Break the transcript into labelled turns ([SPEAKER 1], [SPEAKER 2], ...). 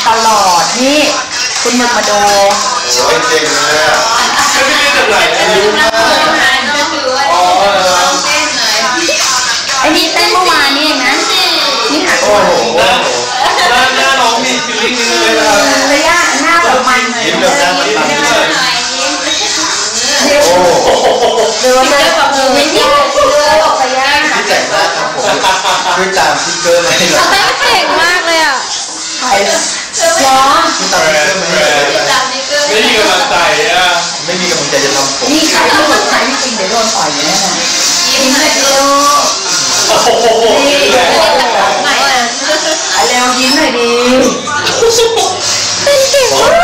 [SPEAKER 1] ตลอดนี่คุณมึกมาดู
[SPEAKER 2] โอ้ยเจ๋งเลยอ่ะไม่ได้จากไหนรู้มากอ๋อ
[SPEAKER 1] ไอ้นี่เต้นเมื่อวานนี่เองนะนี่ค่ะ
[SPEAKER 2] โอ้โหหน้าน้องมีฟิลลิ่งนึงเลยนะ
[SPEAKER 1] ระยะหน้าแบบมัน
[SPEAKER 2] ยิ้มแบบนั้นยิ้มเลยโอ้
[SPEAKER 1] เรือเลยแบบเรือที่เรือบอกระยะ
[SPEAKER 2] ที่แต่งหน้าครับผมคือตามที่เกินเลยเหรอ
[SPEAKER 3] เก่งมากเลยอ่ะ
[SPEAKER 1] ใครร้อง
[SPEAKER 2] คือตามที่เกินไม่มีกำลังใจอ่ะไม่มีกำลังใจจะทำผม
[SPEAKER 1] นี่ใครที่หลุดใครที่จริงเดี๋ยวโดนต่อยแน่นอนยิ้มเลยลูกนี่เร็วยิ้มหน่อยดี
[SPEAKER 3] เป็นเก่งมาก